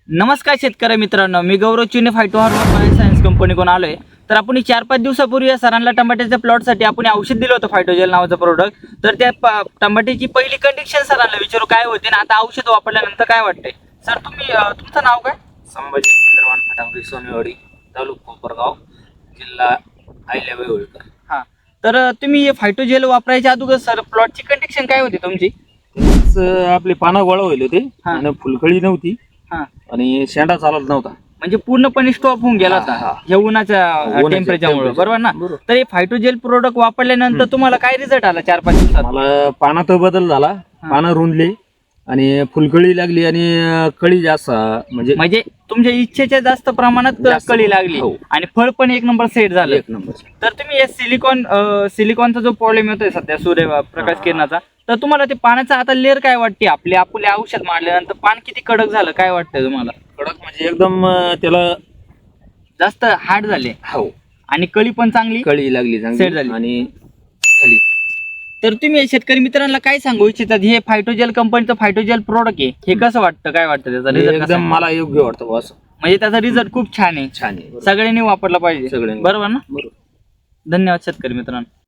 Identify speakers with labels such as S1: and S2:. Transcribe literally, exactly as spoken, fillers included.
S1: नमस्कार शेतकरी मित्रांनो, मी गौरव चिने फायटो हार्मोन बायो सायन्स कंपनीकडून आलोय. तर आपण चार पाच दिवसापूर्वी या सरांना टमाट्याच्या प्लॉटसाठी आपण औषध दिलं होतं फायटोजेल नावाचं प्रोडक्ट. तर त्या टमाट्याची पहिली कंडिशन सरांना विचारू काय होते ना आता औषध वापरल्यानंतर काय वाटतंय. सर तुम्ही अं, तुमचं नाव काय?
S2: संभाजी इंद्रवान फटाफडी सोनेवाडी तालुका कोपरगाव जिल्हा अहिल्याबाई होळकर.
S1: हां, तर अं, तुम्ही फायटोजेल वापरायच्या अगोदर सर प्लॉटची कंडिशन काय होती तुमची?
S2: स- आपले पानं गोळा होईल होते
S1: हा.
S2: आणि फुलकळी नव्हती
S1: हां,
S2: आणि शेंडा चालत नव्हता.
S1: म्हणजे पूर्णपणे स्टॉप होऊन गेला
S2: हा,
S1: होता
S2: हा.
S1: या उन्हाच्या
S2: उन्हाच्या
S1: टेम्परेचरमुळे,
S2: temperature.
S1: बरोबर ना?
S2: बरोबर.
S1: तर हे फायटोजेल प्रोडक्ट वापरल्यानंतर तुम्हाला काय रिझल्ट आला चार पाच दिवसात?
S2: मला पानात बदल झाला, पानं रुंदली आणि फुलकळी लागली आणि अं, कळी जास्त म्हणजे
S1: म्हणजे तुमच्या इच्छेच्या जास्त प्रमाणात
S2: जास्त
S1: कळी लागली
S2: हो.
S1: आणि फळ पण एक नंबर सेट झालं.
S2: एक नंबर.
S1: तर तुम्ही या सिलिकॉन सिलिकॉनचा जो प्रॉब्लेम येतोय सध्या सूर्य प्रकाश किरणाचा, तर तुम्हाला ते पाण्याचा आता लेअर काय वाटते? आपले आपले औषध मारल्यानंतर पान किती कडक झालं काय वाटतंय तुम्हाला?
S2: कडक म्हणजे एकदम अं, त्याला
S1: जास्त हार्ड झाले
S2: हो
S1: आणि कळी पण चांगली
S2: कळी लागली
S1: Set
S2: चांगली
S1: झाली.
S2: आणि खाली.
S1: तर तुम्ही या शेतकरी मित्रांना काय सांगू इच्छितात? हे फायटोजेल कंपनीचं फायटोजेल प्रोडक्ट आहे, हे कसं वाटतं, काय वाटतं त्याचा
S2: हे
S1: रिझल्ट?
S2: एकदम मला योग्य वाटतं बस.
S1: म्हणजे त्याचा रिझल्ट खूप छान आहे,
S2: छान आहे.
S1: सगळ्यांनी वापरला पाहिजे,
S2: सगळ्यांनी.
S1: बरोबर ना?
S2: बरोबर.
S1: धन्यवाद शेतकरी मित्रांनो.